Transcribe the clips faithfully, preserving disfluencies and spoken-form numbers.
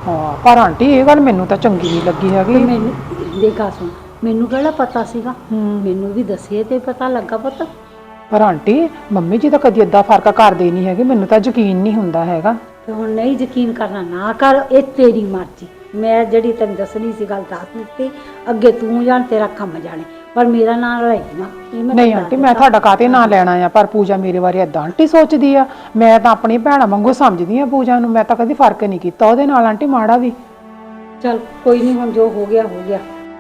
ਹਾਂ ਪਰ ਆਂਟੀ ਇਹ ਗੱਲ ਮੈਨੂੰ ਤਾਂ ਚੰਗੀ ਨਹੀਂ ਲੱਗੀ ਹੈਗੀ। ਮੈਨੂੰ ਦੇਖਾ ਸੁਣ, ਮੈਨੂੰ ਕਿਹੜਾ ਪਤਾ ਸੀਗਾ, ਮੈਨੂੰ ਵੀ ਦੱਸੇ ਤੇ ਪਤਾ ਲੱਗਾ ਪੁੱਤ। ਪਰ ਆਂਟੀ ਮੰਮੀ ਜੀ ਤਾਂ ਕਦੀ ਏਦਾਂ ਫਰਕ ਕਰਦੇ ਨਹੀਂ ਹੈਗੇ, ਮੈਨੂੰ ਤਾਂ ਯਕੀਨ ਨਹੀਂ ਹੁੰਦਾ ਹੈਗਾ। ਤੇ ਹੁਣ ਨਹੀਂ ਯਕੀਨ ਕਰਨਾ ਨਾ ਕਰ, ਇਹ ਤੇਰੀ ਮਰਜ਼ੀ। ਮੈਂ ਜਿਹੜੀ ਤੈਨੂੰ ਦੱਸਣੀ ਸੀ ਗੱਲ ਦੱਸ ਦਿੱਤੀ, ਅੱਗੇ ਤੂੰ ਜਾਣ ਤੇਰਾ ਕੰਮ ਜਾਣੇ, ਪਰ ਮੇਰਾ ਨਾਂ ਲੈ ਨਾ। ਨਹੀਂ ਆਂਟੀ ਮੈਂ ਤੁਹਾਡਾ ਕਾਹਤੇ ਨਾਂ ਲੈਣਾ ਆ, ਪਰ ਪੂਜਾ ਮੇਰੇ ਬਾਰੇ ਏਦਾਂ ਆਂਟੀ ਸੋਚਦੀ ਆ। ਮੈਂ ਤਾਂ ਆਪਣੀ ਭੈਣਾਂ ਵਾਂਗੂ ਸਮਝਦੀ ਆ ਪੂਜਾ ਨੂੰ, ਮੈਂ ਤਾਂ ਕਦੀ ਫਰਕ ਨਹੀਂ ਕੀਤਾ ਉਹਦੇ ਨਾਲ ਆਂਟੀ ਮਾੜਾ ਵੀ। ਚੱਲ ਕੋਈ ਨਹੀਂ, ਹੁਣ ਜੋ ਹੋ ਗਿਆ ਹੋ ਗਿਆ।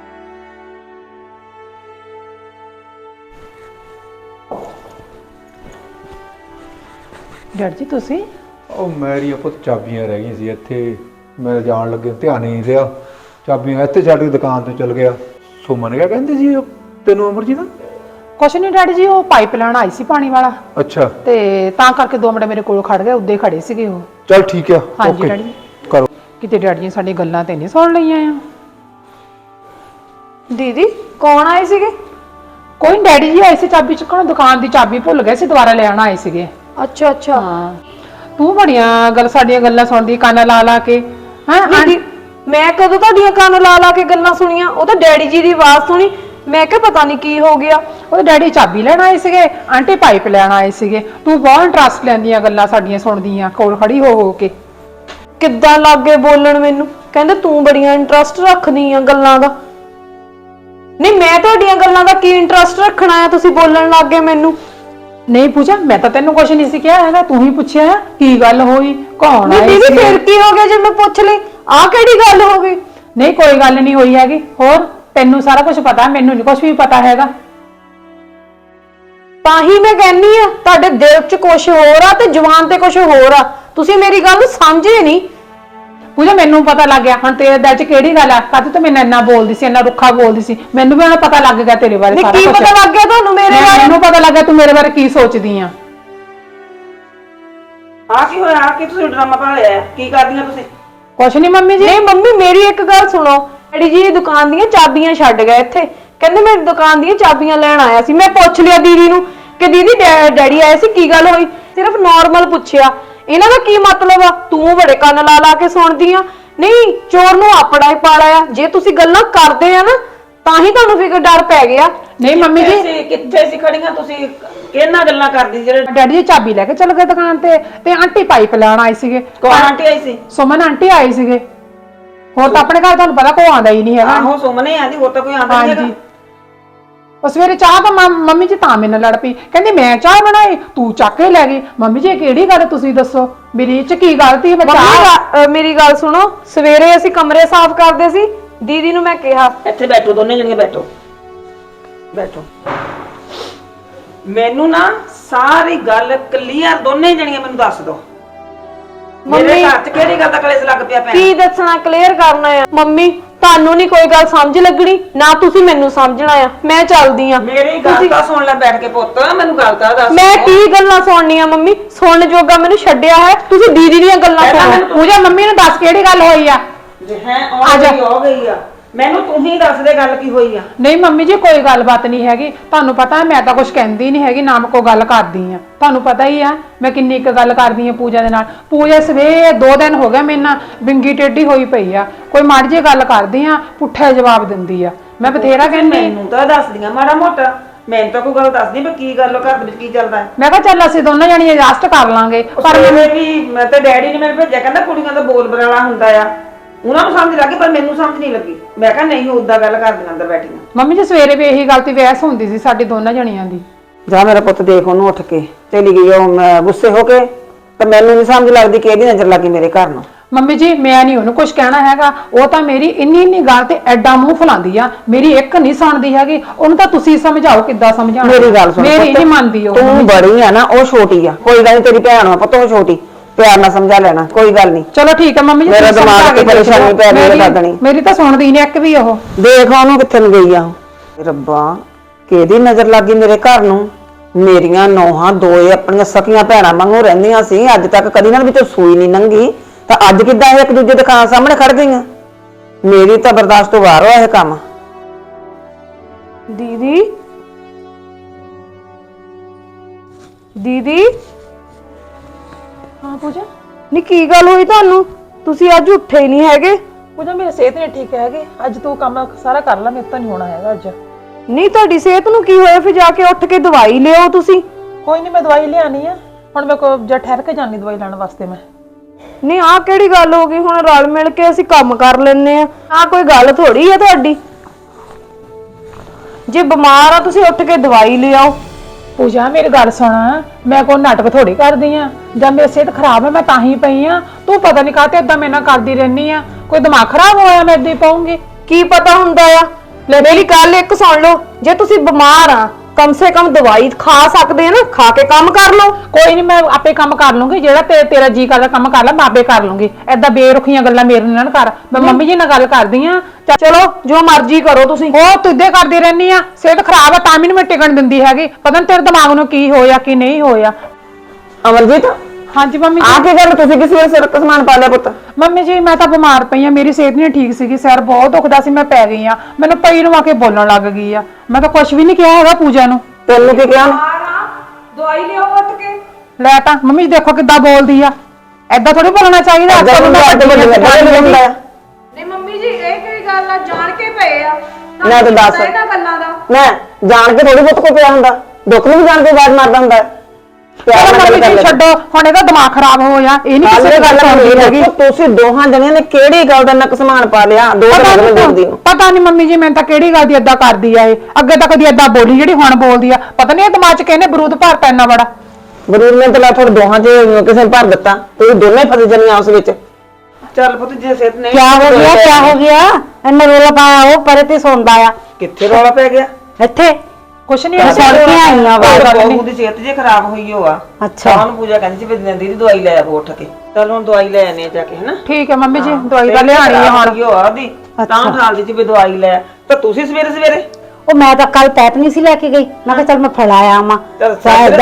ਡੈਡ ਜੀ ਤੁਸੀਂ? ਉਹ ਮੇਰੀਆਂ ਪੁੱਤ ਚਾਬੀਆਂ ਰਹਿ ਗਈਆਂ ਸੀ ਇੱਥੇ, ਮੈਂ ਜਾਣ ਲੱਗੇ ਧਿਆਨ ਹੀ ਨਹੀਂ ਰਿਹਾ। ਚਾਬੀਆਂ ਇੱਥੇ ਛੱਡ ਕੇ ਦੁਕਾਨ ਤੇ ਚਲ ਗਿਆ। ਸੁਮਨ ਕਿਆ ਕਹਿੰਦੇ ਸੀ ਤੈਨੂੰ ਅਮਰਜੀਤ? ਕੁਛ ਨਹੀਂ ਡੈਡੀ ਜੀ, ਉਹ ਪਾਈਪ ਲੈਣ ਆਈ ਸੀ ਪਾਣੀ ਵਾਲਾ। ਅੱਛਾ। ਤੇ ਤਾਂ ਕਰਕੇ ਦੋ ਮਿੰਟ ਮੇਰੇ ਕੋਲ ਖੜ ਗਏ, ਉੱਦੇ ਖੜੇ ਸੀਗੇ ਉਹ। ਚਲ ਠੀਕ ਆ। ਹਾਂਜੀ ਡੈਡੀ ਕਰੋ। ਕਿਤੇ ਡੈਡੀ ਜੀ ਸਾਡੀ ਗੱਲਾਂ ਤੇ ਨਹੀਂ ਸੁਣ ਲਈਆਂ ਆ। ਦੀਦੀ ਕੌਣ ਆਏ ਸੀਗੇ? ਕੋਈ ਡੈਡੀ ਜੀ ਆਏ ਸੀ ਚਾਬੀ ਚੁੱਕਣ, ਦੁਕਾਨ ਦੀ ਚਾਬੀ ਭੁੱਲ ਗਏ ਸੀ, ਦੁਬਾਰਾ ਲੈਣ ਆਏ ਸੀਗੇ। ਅੱਛਾ ਅੱਛਾ। ਹਾਂ ਤੂੰ ਬੜੀਆਂ ਗੱਲ ਸਾਡੀਆਂ ਗੱਲਾਂ ਸੁਣਦੀ ਕੰਨ ਲਾ ਲਾ ਕੇ। ਹਾਂ ਦੀਦੀ ਮੈਂ ਕਦੋਂ ਤੁਹਾਡੀਆਂ ਕੰਨ ਲਾ ਲਾ ਕੇ ਗੱਲਾਂ ਸੁਣੀਆਂ? ਉਹ ਤਾਂ ਡੈਡੀ ਜੀ ਦੀ ਆਵਾਜ਼ ਸੁਣੀ, ਮੈਂ ਕਿਹਾ ਪਤਾ ਨਹੀਂ ਕੀ ਹੋ ਗਿਆ। ਉਹਦੇ ਡੈਡੀ ਚਾਬੀ ਲੈਣ ਆਏ ਸੀਗੇ, ਆਂਟੀ ਪਾਈਪ ਲੈਣ ਆਏ ਸੀਗੇ। ਤੂੰ ਬਹੁਤ ਇੰਟਰਸਟ ਲੈਂਦੀਆਂ ਗੱਲਾਂ ਸਾਡੀਆਂ ਸੁਣਦੀਆਂ ਕੋਲ ਖੜੀ ਹੋ ਹੋ ਕੇ। ਕਿੱਦਾਂ ਲੱਗੇ ਬੋਲਣ ਮੈਨੂੰ, ਕਹਿੰਦੇ ਤੂੰ ਬੜੀਆਂ ਇੰਟਰਸਟ ਰੱਖਦੀ ਆ ਗੱਲਾਂ ਦਾ। ਨਹੀਂ ਮੈਂ ਤੁਹਾਡੀਆਂ ਗੱਲਾਂ ਦਾ ਕੀ ਇੰਟਰਸਟ ਰੱਖਣਾ ਆ, ਤੁਸੀਂ ਬੋਲਣ ਲੱਗ ਗਏ ਮੈਨੂੰ। ਨਹੀਂ ਪੂਜਾ ਮੈਂ ਤਾਂ ਤੈਨੂੰ ਕੁਛ ਨਹੀਂ ਸੀ ਕਿਹਾ ਹੈਗਾ, ਤੂੰ ਹੀ ਪੁੱਛਿਆ ਕੀ ਗੱਲ ਹੋਈ, ਕੌਣ ਨਹੀਂ ਆਏ ਦੀਦੀ ਸੀ? ਫਿਰ ਕੀ ਹੋ ਗਿਆ ਜੇ ਮੈਂ ਪੁੱਛ ਲਈ? ਆਹ ਕਿਹੜੀ ਗੱਲ ਹੋ ਗਈ? ਨਹੀਂ ਕੋਈ ਗੱਲ ਨਹੀਂ ਹੋਈ ਹੈਗੀ। ਹੋਰ ਤੈਨੂੰ ਸਾਰਾ ਕੁਝ ਪਤਾ, ਮੈਨੂੰ ਨਹੀਂ ਕੁਝ ਵੀ ਪਤਾ ਹੈਗਾ। ਤਾਂ ਹੀ ਮੈਂ ਕਹਿੰਨੀ ਆ ਤੁਹਾਡੇ ਦਿਲ 'ਚ ਕੁਝ ਹੋਰ ਆ ਤੇ ਜ਼ੁਬਾਨ ਤੇ ਕੁਝ ਹੋਰ ਆ, ਤੁਸੀਂ ਮੇਰੀ ਗੱਲ ਸਮਝੇ ਨਹੀਂ। ਪੂਜਾ ਮੈਨੂੰ ਪਤਾ ਲੱਗ ਗਿਆ ਹੁਣ ਤੇਰੇ ਦਿਲ 'ਚ ਕਿਹੜੀ ਗੱਲ ਆ, ਕਦ ਤੂੰ ਮੈਨੂੰ ਇੰਨਾ ਬੋਲਦੀ ਸੀ, ਇੰਨਾ ਰੁੱਖਾ ਬੋਲਦੀ ਸੀ। ਮੈਨੂੰ ਵੀ ਹੁਣ ਪਤਾ ਲੱਗ ਗਿਆ ਤੇਰੇ ਬਾਰੇ ਸਾਰਾ ਕੁਝ। ਕੀ ਪਤਾ ਲੱਗ ਗਿਆ ਤੁਹਾਨੂੰ ਮੇਰੇ ਬਾਰੇ? ਮੈਨੂੰ ਪਤਾ ਲੱਗ ਗਿਆ ਤੂੰ ਮੇਰੇ ਬਾਰੇ ਕੀ ਸੋਚਦੀ ਆ। ਆ ਕੀ ਹੋਇਆ? ਕੀ ਤੁਸੀਂ ਡਰਾਮਾ ਪਾ ਲਿਆ? ਕੀ ਕਰਦੀਆਂ ਤੁਸੀਂ? ਕੁਛ ਨਹੀਂ ਮੰਮੀ ਜੀ। ਨਹੀਂ ਮੰਮੀ ਮੇਰੀ ਇੱਕ ਗੱਲ ਸੁਣੋ, ਡੈਡੀ ਜੀ ਦੁਕਾਨ ਦੀਆਂ ਚਾਬੀਆਂ ਛੱਡ ਗਏ ਇੱਥੇ, ਕਹਿੰਦੇ ਮੈਂ ਦੁਕਾਨ ਦੀਆਂ ਚਾਬੀਆਂ ਲੈਣ ਆਇਆ ਸੀ। ਮੈਂ ਪੁੱਛ ਲਿਆ ਦੀਦੀ ਨੂੰ ਕਿ ਦੀਦੀ ਡੈਡੀ ਆਏ ਸੀ, ਕੀ ਗੱਲ ਹੋਈ? ਸਿਰਫ ਨਾਰਮਲ ਪੁੱਛਿਆ। ਇਹਨਾਂ ਦਾ ਕੀ ਮਤਲਬ ਆ? ਤੂੰ ਬੜੇ ਕੰਨ ਲਾ ਲਾ ਕੇ ਸੁਣਦੀ ਆ। ਨਹੀਂ ਚੋਰ ਨੂੰ ਆਪਣਾ ਹੀ ਪਾਲਾ ਆ, ਜੇ ਤੁਸੀਂ ਗੱਲਾਂ ਕਰਦੇ ਆ ਨਾ ਤਾਂ ਹੀ ਤੁਹਾਨੂੰ ਫਿਕਰ ਡਰ ਪੈ ਗਿਆ। ਨਹੀਂ ਮੰਮੀ ਜੀ ਕਿੱਥੇ ਕਿੱਥੇ ਸੀ ਖੜੀਆਂ ਤੁਸੀਂ? ਕਿਹਨਾਂ ਗੱਲਾਂ ਕਰਦੀ ਜਿਹੜੇ? ਡੈਡੀ ਜੀ ਚਾਬੀ ਲੈ ਕੇ ਚਲ ਗਏ ਦੁਕਾਨ ਤੇ, ਤੇ ਆਂਟੀ ਪਾਈਪ ਲੈਣ ਆਏ ਸੀਗੇ। ਕੌਣ ਆਂਟੀ ਆਈ ਸੀ? ਸੁਮਨ ਆਂਟੀ ਆਏ ਸੀਗੇ। ਹੋਰ ਤਾਂ ਆਪਣੇ ਘਰ ਤੁਹਾਨੂੰ ਪਤਾ ਕੋਈ ਆਂਦਾ ਹੀ ਨਹੀਂ ਹੈਗਾ। ਆਹੋ ਸੁਮਨੇ ਆਂਦੀ, ਹੋਰ ਤਾਂ ਕੋਈ ਆਂਦਾ ਨਹੀਂ ਹੈਗਾ। ਉਹ ਸਵੇਰੇ ਚਾਹ ਤਾਂ ਮੰਮੀ ਜੀ ਤਾਂ ਮੇਰੇ ਨਾਲ ਲੜ ਪਈ, ਕਹਿੰਦੀ ਮੈਂ ਚਾਹ ਬਣਾਈ ਤੂੰ ਚੱਕ ਕੇ ਲੈ ਗਈ। ਮੰਮੀ ਜੀ ਕਿਹੜੀ ਗੱਲ ਤੁਸੀਂ ਦੱਸੋ, ਮੇਰੀ ਇਹ ਚ ਕੀ ਗਲਤੀ? ਮੈਂ ਚਾਹ ਮੇਰੀ ਗੱਲ ਸੁਣੋ, ਸਵੇਰੇ ਅਸੀਂ ਕਮਰੇ ਸਾਫ਼ ਕਰਦੇ ਸੀ, ਦੀਦੀ ਨੂੰ ਮੈਂ ਕਿਹਾ ਇੱਥੇ ਬੈਠੋ ਦੋਨੇ ਜਣੀਆਂ, ਬੈਠੋ ਬੈਠੋ। ਮੈਨੂੰ ਨਾ ਸਾਰੀ ਗੱਲ ਕਲੀਅਰ ਦੋਨੇ ਜਣੀਆਂ ਮੈਨੂੰ ਦੱਸ ਦਿਓ। ਮੇਰੇ ਘਰ 'ਚ ਕਿਹੜੀ ਗੱਲ ਦਾ ਕਲੇਸ਼ ਲੱਗ ਪਿਆ? ਭੈਣ ਕੀ ਦੱਸਣਾ, ਕਲੀਅਰ ਕਰਨਾ ਆ। ਮੰਮੀ ਤੁਹਾਨੂੰ ਨਹੀਂ ਕੋਈ ਗੱਲ ਸਮਝ ਲੱਗਣੀ, ਨਾ ਤੁਸੀਂ ਮੈਨੂੰ ਸਮਝਣਾ ਆ। ਮੈਂ ਚੱਲਦੀ ਆ। ਮੇਰੀ ਗੱਲ ਤਾਂ ਸੁਣ ਲੈ ਬੈਠ ਕੇ ਪੁੱਤ, ਮੈਨੂੰ ਗੱਲ ਤਾਂ ਦੱਸ। ਮੈਂ ਕੀ ਗੱਲਾਂ ਸੁਣਨੀਆਂ ਮੰਮੀ? ਸੁਣਨ ਜੋਗਾ ਮੈਨੂੰ ਛੱਡਿਆ ਹੈ, ਤੁਸੀਂ ਦੀਦੀ ਦੀਆਂ ਗੱਲਾਂ ਸੁਣੋ। ਪੂਜਾ ਮੰਮੀ ਨੂੰ ਦੱਸ ਕਿਹੜੀ ਗੱਲ ਹੋਈ ਆ। ਹੈ ਆ ਗਈ ਹੋ ਗਈ ਆ, ਮੈਨੂੰ ਤੂੰ ਹੀ ਦੱਸ ਦੇ ਗੱਲ ਕੀ ਹੋਈ ਆ। ਨਹੀਂ ਮੰਮੀ ਜੀ ਕੋਈ ਗੱਲਬਾਤ ਨਹੀਂ ਹੈਗੀ, ਤੁਹਾਨੂੰ ਪਤਾ ਹੈ ਮੈਂ ਤਾਂ ਕੁਝ ਕਹਿੰਦੀ ਨਹੀਂ ਹੈਗੀ, ਨਾ ਮੈਂ ਕੋਈ ਗੱਲ ਕਰਦੀ ਆ। ਤੁਹਾਨੂੰ ਪਤਾ ਹੀ ਆ ਮੈਂ ਕਿੰਨੀ ਇੱਕ ਗੱਲ ਕਰਦੀ ਆ ਪੂਜਾ ਦੇ ਨਾਲ। ਪੂਜਾ ਸਵੇਰੇ ਦੋ ਦਿਨ ਹੋ ਗਏ ਮੇਰੇ ਨਾਲ ਬਿੰਗੀ ਟੇਢੀ ਹੋਈ ਪਈ ਆ, ਕੋਈ ਮਾੜੀ ਜਿਹੀ ਗੱਲ ਕਰਦੀ ਆ ਪੁੱਠਾ ਜਵਾਬ ਦਿੰਦੀ ਆ। ਮੈਂ ਬਥੇਰਾ ਕਹਿੰਦੀ ਮੈਨੂੰ ਤਾਂ ਦੱਸਦੀਆਂ ਮਾੜਾ ਮੋਟਾ, ਮੈਨੂੰ ਤਾਂ ਕੋਈ ਗੱਲ ਦੱਸਦੀ ਵੀ ਕੀ ਗੱਲ ਘਰ ਦੇ ਵਿੱਚ ਕੀ ਚੱਲਦਾ। ਮੈਂ ਕਿਹਾ ਚੱਲ ਅਸੀਂ ਦੋਨੋਂ ਜਣੀਆਂ ਐਡਜਸਟ ਕਰ ਲਾਂਗੇ। ਪਰ ਮੈਨੂੰ ਵੀ ਮੈਂ ਤਾਂ ਡੈਡੀ ਨੇ ਮੈਨੂੰ ਭੇਜਿਆ, ਕਹਿੰਦਾ ਕੁੜੀਆਂ ਦਾ ਬੋਲ ਬਰਾਲਾ ਹੁੰਦਾ ਆ, ਉਹਨਾਂ ਨੂੰ ਸਮਝ ਲੱਗੀ ਪਰ ਮੈਨੂੰ ਸਮਝ ਨਹੀਂ ਲੱਗੀ। ਮੈਂ ਕਿਹਾ ਨਹੀਂ ਉਦਾਂ ਗੱਲ ਕਰਦੀਆਂ ਅੰਦਰ ਬੈਠੀਆਂ। ਮੰਮੀ ਜੀ ਸਵੇਰੇ ਵੀ ਇਹੀ ਗੱਲ ਤੇ ਬਹਿਸ ਹੁੰਦੀ ਸੀ ਸਾਡੀ ਦੋਨਾਂ ਜਣੀਆਂ ਦੀ। ਜਾ ਮੇਰਾ ਪੁੱਤ ਦੇਖ, ਉਹਨੂੰ ਉੱਠ ਕੇ ਚਲੀ ਗਈ ਉਹ ਗੁੱਸੇ ਹੋ ਕੇ, ਤੇ ਮੈਨੂੰ ਨਹੀਂ ਸਮਝ ਲੱਗਦੀ ਕਿ ਇਹਦੀ ਨਜ਼ਰ ਲੱਗੀ ਮੇਰੇ ਘਰ ਨੂੰ। ਮੰਮੀ ਜੀ ਮੈਂ ਨਹੀਂ ਉਹਨੂੰ ਕੁਝ ਕਹਿਣਾ ਹੈਗਾ, ਉਹ ਤਾਂ ਮੇਰੀ ਇੰਨੀ ਇੰਨੀ ਗੱਲ ਤੇ ਐਡਾ ਮੂੰਹ ਫੁਲਾਉਂਦੀ ਆ, ਮੇਰੀ ਇੱਕ ਨਹੀਂ ਸੁਣਦੀ ਹੈਗੀ। ਉਹਨੂੰ ਤਾਂ ਤੁਸੀਂ ਸਮਝਾਓ ਕਿੱਦਾਂ ਸਮਝਾਉਣਾ। ਮੇਰੀ ਗੱਲ ਸੁਣ, ਮੇਰੀ ਨਹੀਂ ਮੰਨਦੀ ਉਹ। ਤੂੰ ਬੜੀ ਆ ਨਾ, ਉਹ ਛੋਟੀ ਆ। ਕੋਈ ਗੱਲ ਨਹੀਂ, ਤੇਰੀ ਭੈਣ ਆ ਪੁੱਤ, ਉਹ ਛੋਟੀ, ਪਿਆਰ ਨਾਲ ਸਮਝਾ ਲੈਣਾ, ਕੋਈ ਗੱਲ ਨਹੀਂ। ਚਲੋ ਠੀਕ ਹੈ ਮੰਮੀ ਜੀ, ਮੇਰਾ ਦਿਮਾਗ ਤੇ ਪਰੇਸ਼ਾਨੀ ਪੈ ਰਹੀ ਹੈ ਦਾਦਣੀ। ਮੇਰੀ ਤਾਂ ਸੁਣਦੀ ਨਹੀਂ ਇੱਕ ਵੀ। ਉਹ ਦੇਖ ਉਹਨੂੰ ਕਿੱਥੇ ਨੂੰ ਗਈ ਆ ਉਹ। ਰੱਬਾ ਕਿਹਦੀ ਨਜ਼ਰ ਲੱਗੀ ਮੇਰੇ ਘਰ ਨੂੰ? ਮੇਰੀਆਂ ਨੌਹਾਂ ਦੋਏ ਆਪਣੀਆਂ ਸਕੀਆਂ ਭੈਣਾਂ ਵਾਂਗੂ ਰਹਿੰਦੀਆਂ ਸੀ, ਅੱਜ ਤੱਕ ਕਦੀ ਨਾਲ ਵਿੱਚੋਂ ਸੂਈ ਨਹੀਂ ਲੰਘੀ, ਤਾਂ ਅੱਜ ਕਿੱਦਾਂ ਇਹ ਇੱਕ ਦੂਜੇ ਦੇ ਖਾਂ ਸਾਹਮਣੇ ਖੜ ਗਈਆਂ? ਮੇਰੀ ਤਾਂ ਬਰਦਾਸ਼ਤ ਤੋਂ ਬਾਹਰ ਹੋਇਆ ਇਹ ਕੰਮ। ਦੀਦੀ ਦੀਦੀ ਹਾਂ ਪੂਜਾ ਨੀ ਕੀ ਗੱਲ ਹੋਈ ਤੁਹਾਨੂੰ? ਤੁਸੀਂ ਅੱਜ ਉੱਠੇ ਹੀ ਨਹੀਂ ਹੈਗੇ। ਪੂਜਾ ਮੇਰੀ ਸਿਹਤ ਨਹੀਂ ਠੀਕ ਹੈਗੀ, ਅੱਜ ਤੂੰ ਕੰਮ ਸਾਰਾ ਕਰ ਲੈ, ਮੇਰੇ ਤੋਂ ਨਹੀਂ ਹੋਣਾ ਹੈਗਾ ਅੱਜ। ਨਹੀਂ ਤੁਹਾਡੀ ਸਿਹਤ ਨੂੰ ਕੀ ਹੋਇਆ, ਫਿਰ ਜਾ ਕੇ ਉੱਠ ਕੇ ਦਵਾਈ ਲਿਓ ਤੁਸੀਂ। ਕੋਈ ਨਹੀਂ, ਮੈਂ ਦਵਾਈ ਲਿਆਣੀ ਆ ਹੁਣ, ਮੈਂ ਕੋ ਜਾਂ ਠਹਿਰ ਕੇ ਜਾਣੀ ਦਵਾਈ ਲੈਣ ਵਾਸਤੇ ਮੈਂ। ਨਹੀਂ ਆਹ ਕਿਹੜੀ ਗੱਲ ਹੋ ਗਈ, ਹੁਣ ਰਲ ਮਿਲ ਕੇ ਅਸੀਂ ਕੰਮ ਕਰ ਲੈਨੇ ਆ, ਆਹ ਕੋਈ ਗੱਲ ਥੋੜੀ ਆ ਤੁਹਾਡੀ। ਜੇ ਬਿਮਾਰ ਆ ਤੁਸੀਂ ਉੱਠ ਕੇ ਦਵਾਈ ਲਿਆਓ। ਪੂਜਾ ਮੇਰੀ ਗੱਲ ਸੁਣ, ਮੈਂ ਕੋਈ ਨਾਟਕ ਥੋੜੀ ਕਰਦੀ ਆ, ਜਾਂ ਮੇਰੀ ਸਿਹਤ ਖਰਾਬ ਹੈ ਮੈਂ ਤਾਂ ਹੀ ਪਈ ਆ, ਤੂੰ ਪਤਾ ਨਹੀਂ ਕਾਹਤੇ ਏਦਾਂ ਮੇਰੇ ਨਾਲ ਕਰਦੀ ਰਹਿਨੀ ਆ, ਕੋਈ ਦਿਮਾਗ ਖਰਾਬ ਹੋਇਆ ਮੈਂ ਏਦਾਂ ਹੀ ਪਾਉਂਗੀ। ਕੀ ਪਤਾ ਹੁੰਦਾ ਆ, ਮੇਰੀ ਗੱਲ ਇੱਕ ਸੁਣ ਲਓ, ਜੇ ਤੁਸੀਂ ਬਿਮਾਰ ਆ ਕਮ ਸੇ ਕਮ ਦਵਾਈ ਖਾ ਸਕਦੇ ਆ ਨਾ, ਖਾ ਕੇ ਕੰਮ ਕਰ ਲਓ। ਕੋਈ ਨਹੀਂ, ਮੈਂ ਆਪੇ ਕੰਮ ਕਰ ਲੂੰਗੀ, ਜਿਹੜਾ ਤੇ ਤੇਰਾ ਜੀ ਕਰਦਾ ਕੰਮ ਕਰ ਲੈ, ਮੈਂ ਆਪੇ ਕਰ ਲੂੰਗੀ। ਏਦਾਂ ਬੇਰੁਖੀਆਂ ਗੱਲਾਂ ਮੇਰੇ ਨਾਲ ਨਾ ਕਰ, ਮੈਂ ਮੰਮੀ ਜੀ ਨਾਲ ਗੱਲ ਕਰਦੀ ਆ। ਚਲੋ ਜੋ ਮਰਜ਼ੀ ਕਰੋ ਤੁਸੀਂ। ਉਹ ਤੂੰ ਇਦਾਂ ਕਰਦੀ ਰਹਿਨੀ ਆ, ਸਿਹਤ ਖਰਾਬ ਆ ਤਾਂ ਵੀ ਨੀ ਮੈਂ ਟਿਕਣ ਦਿੰਦੀ ਹੈਗੀ, ਪਤਾ ਨੀ ਤੇਰੇ ਦਿਮਾਗ ਨੂੰ ਕੀ ਹੋਇਆ ਕੀ ਨਹੀਂ ਹੋਇਆ। ਅਮਰਜੀਤ, ਹਾਂਜੀ ਮੰਮੀ ਆ ਜੀ। ਕੀ ਗੱਲ, ਤੁਸੀਂ ਕਿਸ ਵੇਲੇ ਸਿਰ ਤੇ ਸਮਾਨ ਪਾ ਲਿਆ ਪੁੱਤ? ਮੰਮੀ ਜੀ ਮੈਂ ਤਾਂ ਬਿਮਾਰ ਪਈ ਆ, ਮੇਰੀ ਸਿਹਤ ਨਹੀਂ ਠੀਕ ਸੀਗੀ, ਸਿਰ ਬਹੁਤ ਦੁਖਦਾ ਸੀ, ਮੈਂ ਪੈ ਗਈ ਆ, ਮੈਨੂੰ ਪਈ ਨੂੰ ਆ ਕੇ ਬੋਲਣ ਲੱਗ ਗਈ ਆ। ਮੈਂ ਤਾਂ ਕੁਝ ਵੀ ਨਹੀਂ ਕਿਹਾ ਹੈਗਾ ਪੂਜਾ ਨੂੰ। ਤੈਨੂੰ ਕੀ ਕਿਹਾ? ਦਵਾਈ ਲਿਆਓ ਉੱਠ ਕੇ। ਲੈ ਤਾਂ ਮੰਮੀ ਜੀ ਦੇਖੋ ਕਿੱਦਾਂ ਬੋਲਦੀ ਆ, ਐਦਾਂ ਥੋੜੀ ਬੋਲਣਾ ਚਾਹੀਦਾ। ਅੱਜ ਕੱਲ੍ਹ ਮੈਂ ਵੱਡੀ ਆ। ਨਹੀਂ ਮੰਮੀ ਜੀ ਇਹ ਕਿਹੜੀ ਗੱਲ ਆ, ਜਾਣ ਕੇ ਪਏ ਆ ਮੈਂ ਤਾਂ ਦੱਸ, ਇਹਨਾਂ ਗੱਲਾਂ ਦਾ। ਮੈਂ ਜਾਣ ਕੇ ਥੋੜੀ ਬਹੁਤ ਕੋ ਪਿਆ ਹੁੰਦਾ, ਦੁੱਖ ਨੂੰ ਵੀ ਜਾਣ ਕੇ ਆਵਾਜ਼ ਮਾਰਦਾ ਹੁੰਦਾ ਹੈ। ਪਿਆਰ ਚਲੋ ਨਾਲ ਮੰਮੀ ਗੱਲ ਜੀ ਕਰ ਲੈ। ਛੱਡੋ, ਹੁਣ ਇਹਦਾ ਦਿਮਾਗ ਖਰਾਬ ਹੋਇਆ, ਇਹ ਨਹੀਂ ਕਿਸੇ ਗੱਲ ਗੱਲ ਹੋਈ ਹੈਗੀ। ਤੁਸੀਂ ਦੋਹਾਂ ਜਣਿਆਂ ਨੇ ਕਿਹੜੀ ਗੱਲ ਦਾ ਨਕ ਸਮਾਨ ਪਾ ਲਿਆ? ਦੋ ਪਤਾ ਦਿਨ ਦੇਖਦੀ ਨੂੰ ਪਤਾ ਨਹੀਂ ਮੰਮੀ ਜੀ, ਮੈਂ ਤਾਂ ਕਿਹੜੀ ਗੱਲ ਦੀ ਏਦਾਂ ਕਰਦੀ ਆ, ਇਹ ਅੱਗੇ ਤਾਂ ਕਦੀ ਏਦਾਂ ਬੋਲੀ ਜਿਹੜੀ ਹੁਣ ਬੋਲਦੀ ਆ, ਪਤਾ ਨਹੀਂ ਇਹ ਦਿਮਾਗ 'ਚ ਕਹਿੰਦੇ ਬਰੂਦ ਭਰਤਾ ਇੰਨਾ ਬੜਾ। ਬਰੂਦ ਨੇ ਤਾਂ ਲਾ ਤੁਹਾਡੇ ਦੋਹਾਂ 'ਚ ਕਿਸੇ ਨੇ ਭਰ ਦਿੱਤਾ, ਤੁਸੀਂ ਦੋਨੇ ਫਸ ਜਣੀਆਂ ਉਸ ਵਿੱਚ। ਚੱਲ ਪੁੱਤ ਜੇ ਸਿਹਤ ਨਹੀਂ ਕਿਆ ਹੋ ਗਿਆ ਕਿਆ ਹੋ ਗਿਆ ਇੰਨਾ ਰੋਲਾ ਪਾਇਆ, ਉਹ ਪਰੇ ਤੇ ਸੌਂਦਾ ਆ ਕਿੱਥੇ ਰੌਲਾ ਪੈ ਗਿਆ? ਇੱਥੇ ਕੁਛ ਨਹੀਂ ਮੈਂ ਸੁਣ ਕੇ ਆਈ ਆ ਬਾਹਰ। ਬਹੂ ਦੀ ਸਿਹਤ ਜੇ ਖਰਾਬ ਹੋਈ ਹੋ ਆ, ਅੱਛਾ। ਤਾਂ ਉਹਨੂੰ ਪੂਜਾ ਕਹਿੰਦੀ ਸੀ ਵੀ ਨੰਦੀ ਦੀ ਦਵਾਈ ਲੈ ਆਵੋ ਉੱਠ ਕੇ। ਚੱਲ ਹੁਣ ਦਵਾਈ ਲੈ ਆਨੇ ਜਾ ਕੇ, ਹਨਾ? ਠੀਕ ਹੈ ਮੰਮੀ ਜੀ, ਦਵਾਈ ਤਾਂ ਲਿਆਣੀ ਆ ਹੁਣ। ਹੋ ਆ ਦੀ ਤਾਂ ਉਠਾਲਦੀ ਸੀ ਵੀ ਦਵਾਈ ਲੈ, ਤਾਂ ਤੁਸੀਂ ਸਵੇਰੇ ਸਵੇਰੇ ਉਹ ਮੈਂ ਤਾਂ ਕੱਲ ਪੈਪ ਨਹੀਂ ਸੀ ਲੈ ਕੇ ਗਈ, ਮੈਂ ਕਿਹਾ ਚੱਲ ਮੈਂ ਫੜਾਇਆ ਆਵਾਂ। ਚੱਲ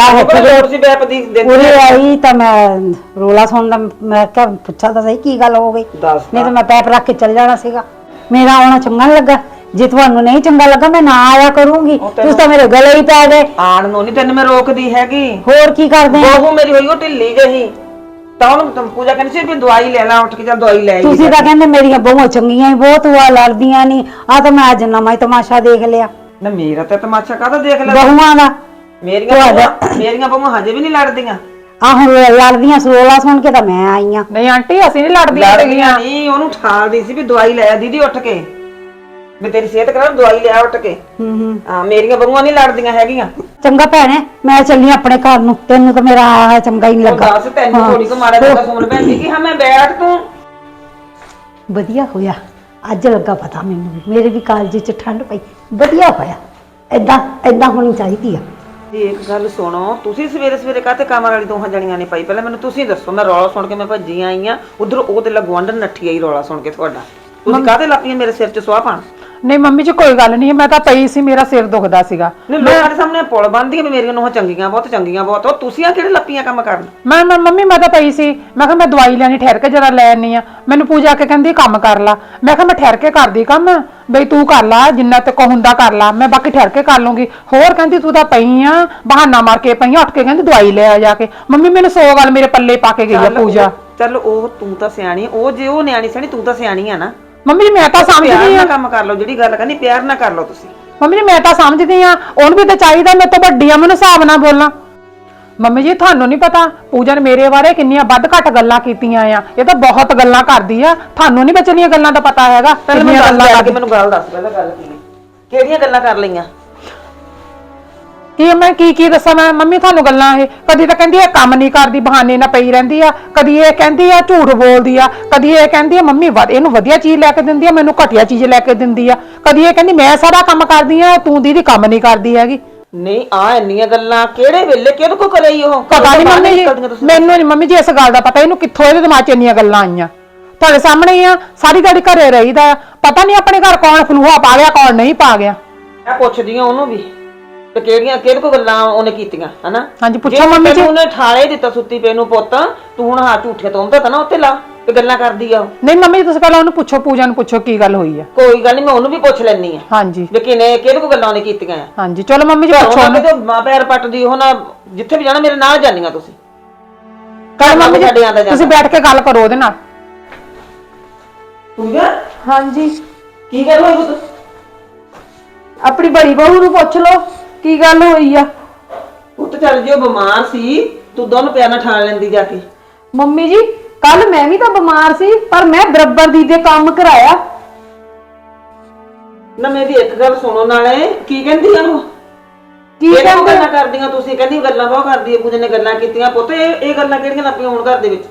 ਤੁਸੀਂ ਬੈਪ ਦੀ ਉਰੇ ਆਈ ਤਾਂ ਮੈਂ ਰੋਲਾ ਸੁਣਦਾ, ਮੈਂ ਕਿਹਾ ਪੁੱਛਾ ਤਾਂ ਸਹੀ ਕੀ ਗੱਲ ਹੋ ਗਈ, ਦੱਸ ਨਹੀਂ ਤਾਂ ਮੈਂ ਪੈਪ ਰੱਖ ਕੇ ਚੱਲ ਜਾਣਾ ਸੀਗਾ। ਮੇਰਾ ਆਉਣਾ ਚੰਗਾ ਨੀ ਲੱਗਾ, ਜੇ ਤੁਹਾਨੂੰ ਨਹੀਂ ਚੰਗਾ ਲੱਗਾ ਮੈਂ ਨਾ ਆਇਆ ਕਰੂੰਗੀ, ਤੁਸੀਂ ਤਾਂ ਮੇਰੇ ਗਲੇ ਹੀ ਪੈ ਗਏ। ਆਣ ਨੂੰ ਨਹੀਂ ਤੈਨੂੰ ਮੈਂ ਰੋਕਦੀ ਹੈਗੀ, ਹੋਰ ਕੀ ਕਰਦੇ ਆ? ਬਹੂ ਮੇਰੀ ਹੋਈ ਉਹ ਢਿੱਲੀ ਜਿਹੀ, ਤਾਂ ਉਹਨੂੰ ਪੂਜਾ ਕਹਿੰਦੀ ਸੀ ਵੀ ਦਵਾਈ ਲੈ ਲਾ ਉੱਠ ਕੇ, ਚੱਲ ਦਵਾਈ ਲੈ ਆਈ। ਤੁਸੀਂ ਤਾਂ ਕਹਿੰਦੇ ਮੇਰੀਆਂ ਬਹੂਆਂ ਚੰਗੀਆਂ ਹੀ ਬਹੁਤ ਹੁਆ ਲੜਦੀਆਂ ਨਹੀਂ, ਆ ਤਾਂ ਮੈਂ ਅੱਜ ਨਵਾਂ ਹੀ ਤਮਾਸ਼ਾ ਦੇਖ ਲਿਆ ਨਾ ਮੇਰਾ ਤਾਂ ਤਮਾਸ਼ਾ ਕਾਹਦਾ ਦੇਖ ਲੈ, ਬਹੂਆਂ ਦਾ। ਮੇਰੀਆਂ ਬਹੂਆਂ ਮੇਰੀਆਂ ਬਹੂਆਂ ਹਜੇ ਵੀ ਨਹੀਂ ਲੜਦੀਆਂ। ਆ ਹੁਣ ਲੜਦੀਆਂ ਰੋਲਾ ਸੁਣ ਕੇ ਤਾਂ ਮੈਂ ਆਈ ਆ। ਨਹੀਂ ਆਂਟੀ ਅਸੀਂ ਨਹੀਂ ਲੜਦੀਆਂ ਲੜਦੀਆਂ ਨਹੀਂ, ਉਹਨੂੰ ਠਾਲਦੀ ਸੀ ਵੀ ਦਵਾਈ ਲੈ ਆ ਦੀਦੀ ਉੱਠ ਕੇ, ਵੀ ਤੇਰੀ ਸਿਹਤ ਖਰਾਬ, ਦਵਾਈ ਲਿਆ ਉੱਠ ਕੇ। ਹੂੰ ਹੂੰ ਹਾਂ ਮੇਰੀਆਂ ਬਹੂਆਂ ਨਹੀਂ ਲੜਦੀਆਂ ਹੈਗੀਆਂ। ਚੰਗਾ ਭੈਣੇ, ਮੈਂ ਚੱਲੀ ਆਪਣੇ ਘਰ ਨੂੰ, ਤੈਨੂੰ ਤਾਂ ਮੇਰਾ ਆਇਆ ਚੰਗਾ ਹੀ ਨਹੀਂ ਉਹ ਲੱਗਾ। ਦੱਸ ਤੈਨੂੰ ਥੋੜੀ ਕੋ ਮਾੜਾ ਜਿਹਾ ਸੁਣ ਪੈਂਦੀ ਕਿ ਹਾਂ ਮੈਂ ਬੈਠ ਤੂੰ। ਵਧੀਆ ਹੋਇਆ ਅੱਜ ਲੱਗਾ ਪਤਾ ਮੈਨੂੰ ਵੀ, ਮੇਰੇ ਵੀ ਕਾਲਜ 'ਚ ਠੰਡ ਪਈ, ਵਧੀਆ ਹੋਇਆ। ਏਦਾਂ ਏਦਾਂ ਹੋਣੀ ਚਾਹੀਦੀ ਆ। ਇੱਕ ਗੱਲ ਸੁਣੋ, ਤੁਸੀਂ ਸਵੇਰੇ ਸਵੇਰੇ ਕਾਹਤੇ ਕੰਮ ਵਾਲੀ ਦੋਹਾਂ ਜਣੀਆਂ ਨੇ ਪਾਈ? ਪਹਿਲਾਂ ਮੈਨੂੰ ਤੁਸੀਂ ਦੱਸੋ, ਮੈਂ ਰੌਲਾ ਸੁਣ ਕੇ ਮੈਂ ਭੱਜੀ ਆਈ ਆ ਉਧਰ, ਉਹ ਤੇ ਲਗਵਾਂਡਨ ਨੱਠੀ ਆਈ ਰੌਲਾ ਸੁਣ ਕੇ ਤੁਹਾਡਾ। ਤੁਸੀਂ ਕਾਹਤੇ ਲੱਪੀਆਂ ਮੇਰੇ ਸਿਰ 'ਚ ਸਵਾਹ ਪਾਣ? ਨਹੀਂ ਮੰਮੀ ਜੀ ਕੋਈ ਗੱਲ ਨਹੀਂ, ਮੈਂ ਤਾਂ ਪਈ ਸੀ, ਮੇਰਾ ਸਿਰ ਦੁਖਦਾ ਸੀਗਾ। ਨਹੀਂ ਲੋਕਾਂ ਦੇ ਸਾਹਮਣੇ ਪੁਲ ਬੰਨ੍ਹਦੀਆਂ ਵੀ ਮੇਰੀਆਂ ਨੂੰਹਾਂ ਚੰਗੀਆਂ ਬਹੁਤ, ਚੰਗੀਆਂ ਬਹੁਤ, ਉਹ ਤੁਸੀਂ ਆ ਕਿਹੜੇ ਲੱਪੀਆਂ ਕੰਮ ਕਰਨ? ਮੈਂ ਮੈਂ ਮੰਮੀ ਮੈਂ ਤਾਂ ਪਈ ਸੀ, ਮੈਂ ਕਿਹਾ ਮੈਂ ਦਵਾਈ ਲੈਣੀ, ਠਹਿਰ ਕੇ ਜਰਾ ਲੈ ਆਨੀ ਆ। ਮੈਨੂੰ ਪੂਜਾ ਕੇ ਕਹਿੰਦੀ ਕੰਮ ਕਰ ਲਾ, ਮੈਂ ਕਿਹਾ ਮੈਂ ਠਹਿਰ ਕੇ ਕਰਦੀ ਕੰਮ, ਬਈ ਤੂੰ ਕਰ ਲਾ ਜਿੰਨਾ ਤੇ ਕੋ ਹੁੰਦਾ ਕਰ ਲਾ, ਮੈਂ ਬਾਕੀ ਠਹਿਰ ਕੇ ਕਰ ਲੂੰਗੀ। ਹੋਰ ਕਹਿੰਦੀ ਤੂੰ ਤਾਂ ਪਈ ਆ, ਬਹਾਨਾ ਮਾਰ ਕੇ ਪਈ ਆ, ਉੱਠ ਕੇ ਕਹਿੰਦੀ ਦਵਾਈ ਲੈ ਆ ਜਾ ਕੇ। ਮੰਮੀ ਮੈਨੂੰ ਸੌ ਗੱਲ ਮੇਰੇ ਪੱਲੇ ਪਾ ਕੇ ਗਈ ਆ ਪੂਜਾ। ਚੱਲ ਉਹ ਤੂੰ ਤਾਂ ਸਿਆਣੀ, ਉਹ ਜੇ ਉਹ ਨਿਆਣੀ ਸਿਆਣੀ, ਤੂੰ ਤਾਂ ਸਿਆਣੀ ਆ ਨਾ। ਮੰਮੀ ਜੀ ਮੈਂ ਤਾਂ ਸਮਝਦੀ ਪਿਆਰ ਆ, ਨਾਲ ਕੰਮ ਕਰ ਲਓ, ਜਿਹੜੀ ਗੱਲ ਕਰਨੀ ਪਿਆਰ ਨਾਲ ਕਰ ਲਓ ਤੁਸੀਂ। ਮੰਮੀ ਜੀ ਮੈਂ ਤਾਂ ਸਮਝਦੀ ਆ, ਉਹਨੂੰ ਵੀ ਤਾਂ ਚਾਹੀਦਾ ਮੈਂ ਤਾਂ ਵੱਡੀ ਆ, ਮੈਨੂੰ ਹਿਸਾਬ ਨਾਲ ਬੋਲਾਂ। ਮੰਮੀ ਜੀ ਤੁਹਾਨੂੰ ਨਹੀਂ ਪਤਾ ਪੂਜਾ ਨੇ ਮੇਰੇ ਬਾਰੇ ਕਿੰਨੀਆਂ ਵੱਧ ਘੱਟ ਗੱਲਾਂ ਕੀਤੀਆਂ ਆ, ਇਹ ਤਾਂ ਬਹੁਤ ਗੱਲਾਂ ਕਰਦੀ ਆ, ਤੁਹਾਨੂੰ ਨਹੀਂ ਬਚਣੀਆਂ ਗੱਲਾਂ ਦਾ ਪਤਾ ਹੈਗਾ। ਕਿੰਨੀਆਂ ਗੱਲਾਂ ਕਰਕੇ ਮੈਨੂੰ ਗੱਲ ਦੱਸ ਪਹਿਲਾਂ, ਗੱਲ ਕੀ ਕਿਹੜੀਆਂ ਗੱਲਾਂ ਕਰ ਲਈਆਂ? ਕੀ ਮੈਂ ਕੀ ਕੀ ਦੱਸਾਂ ਮੈਂ ਮੰਮੀ ਤੁਹਾਨੂੰ ਗੱਲਾਂ? ਇਹ ਕਦੀ ਤਾਂ ਕਹਿੰਦੀ ਇਹ ਕੰਮ ਨਹੀਂ ਕਰਦੀ, ਬਹਾਨੇ ਨਾਲ ਪਈ ਰਹਿੰਦੀ ਆ, ਕਦੀ ਇਹ ਕਹਿੰਦੀ ਆ ਝੂਠ ਬੋਲਦੀ ਆ, ਕਦੀ ਇਹ ਕਹਿੰਦੀ ਆ ਮੰਮੀ ਇਹਨੂੰ ਵਧੀਆ ਚੀਜ਼ ਲੈ ਕੇ ਦਿੰਦੀ ਆ, ਮੈਨੂੰ ਘਟੀਆ ਚੀਜ਼ ਲੈ ਕੇ ਦਿੰਦੀ ਆ, ਕਦੀ ਇਹ ਕਹਿੰਦੀ ਮੈਂ ਸਾਰਾ ਕੰਮ ਕਰਦੀ ਆ, ਤੂੰ ਦੀਦੀ ਕੰਮ ਨਹੀਂ ਕਰਦੀ ਹੈਗੀ। ਨਹੀਂ ਆ ਇੰਨੀਆਂ ਗੱਲਾਂ ਕਿਹੜੇ ਵੇਲੇ ਕਿਹਦੇ ਕੋ ਕਰਾਈ? ਉਹ ਪਤਾ ਨਹੀਂ ਮੰਮੀ ਜੀ, ਮੈਨੂੰ ਨਹੀਂ ਮੰਮੀ ਜੀ ਇਸ ਗੱਲ ਦਾ ਪਤਾ, ਇਹਨੂੰ ਕਿੱਥੋਂ ਇਹਦੇ ਦਿਮਾਗ 'ਚ ਇੰਨੀਆਂ ਗੱਲਾਂ ਆਈਆਂ। ਤੁਹਾਡੇ ਸਾਹਮਣੇ ਹੀ ਆ, ਸਾਰੀ ਦਿਹਾੜੀ ਘਰੇ ਰਹੀਦਾ ਆ, ਪਤਾ ਨਹੀਂ ਆਪਣੇ ਘਰ ਕੌਣ ਫਲੂਹਾ ਪਾ ਗਿਆ ਕੌਣ ਨਹੀਂ ਪਾ ਗਿਆ। ਮੈਂ ਪੁੱਛਦੀ ਆ ਉਹਨੂੰ ਵੀ ਤੇ ਕਿਹੜੀਆਂ ਕਿਹਦੇ ਕੋ ਗੱਲਾਂ ਉਹਨੇ ਕੀਤੀਆਂ, ਹਨਾ? ਹਾਂਜੀ ਪੁੱਛੋ ਮੰਮੀ ਜੀ। ਉਹਨੇ ਠਾਲੇ ਦਿੱਤਾ ਸੁੱਤੀ ਪਈ ਨੂੰ ਪੁੱਤ, ਤੂੰ ਹੁਣ ਹਾਂ ਝੂਠੇ ਤੋਂਦਾ ਤਾਂ ਨਾ ਉੱਤੇ ਲਾ ਤੇ ਗੱਲਾਂ ਕਰਦੀ ਆ। ਨਹੀਂ ਮੰਮੀ ਜੀ ਤੁਸੀਂ ਪਹਿਲਾਂ ਉਹਨੂੰ ਪੁੱਛੋ, ਪੂਜਾ ਨੂੰ ਪੁੱਛੋ ਕੀ ਗੱਲ ਹੋਈ ਆ। ਕੋਈ ਗੱਲ ਨਹੀਂ, ਮੈਂ ਉਹਨੂੰ ਵੀ ਪੁੱਛ ਲੈਣੀ ਆ। ਹਾਂਜੀ ਵੀ ਕਿਨੇ ਕਿਹਦੇ ਕੋ ਗੱਲਾਂ ਉਹਨੇ ਕੀਤੀਆਂ ਆ। ਹਾਂਜੀ ਚਲੋ ਮੰਮੀ ਜੀ ਪੁੱਛੋ ਉਹਨੂੰ। ਤੇ ਮਾਂ ਪੈਰ ਪੱਟਦੀ ਉਹ ਨਾ, ਜਿੱਥੇ ਵੀ ਜਾਣਾ ਮੇਰੇ ਨਾਲ ਜਾਨੀਆਂ ਤੁਸੀਂ। ਕੱਲ ਮੰਮੀ ਜੀ ਛੱਡਿਆਂ ਦਾ ਤੁਸੀਂ ਬੈਠ ਕੇ ਗੱਲ ਕਰੋ ਉਹਦੇ ਨਾਲ। ਪੂਜਾ ਹਾਂਜੀ ਕੀ ਗੱਲ ਹੋਈ ਪੁੱਤ? ਆਪਣੀ ਬੜੀ ਬਹੂ ਨੂੰ ਪੁੱਛ ਲਓ ਕੀ ਗੱਲ ਹੋਈ ਆ। ਪੁੱਤ ਚੱਲ ਜਿਓ ਬਿਮਾਰ ਸੀ ਤੂੰ ਦੋਨੋਂ ਪਿਆਰ ਨਾਲ ਠਾਣ ਲੈਂਦੀ ਜਾ ਕੇ। ਮੰਮੀ ਜੀ ਕੱਲ ਮੈਂ ਵੀ ਤਾਂ ਬਿਮਾਰ ਸੀ ਪਰ ਮੈਂ ਬਰਾਬਰ ਦੀ ਦੇ ਕੰਮ ਕਰਾਇਆ। ਨਾ ਮੇਰੀ ਇੱਕ ਗੱਲ ਸੁਣੋ ਨਾਲੇ ਕੀ ਕਹਿੰਦੀ ਆ ਉਹ? ਕੀ ਇਹ ਕਿਉਂ ਕਹਿੰਦੇ ਗੱਲਾਂ ਕਰਦੀਆਂ ਤੁਸੀਂ? ਕਹਿੰਦੀ ਗੱਲਾਂ ਬਹੁਤ ਕਰਦੀ ਹੈ, ਪੂਜਾ ਨੇ ਗੱਲਾਂ ਕੀਤੀਆਂ। ਪੁੱਤ ਇਹ ਇਹ ਗੱਲਾਂ ਕਿਹੜੀਆਂ ਲੱਪੀਆਂ ਹੋਣ ਘਰ ਦੇ ਵਿੱਚ?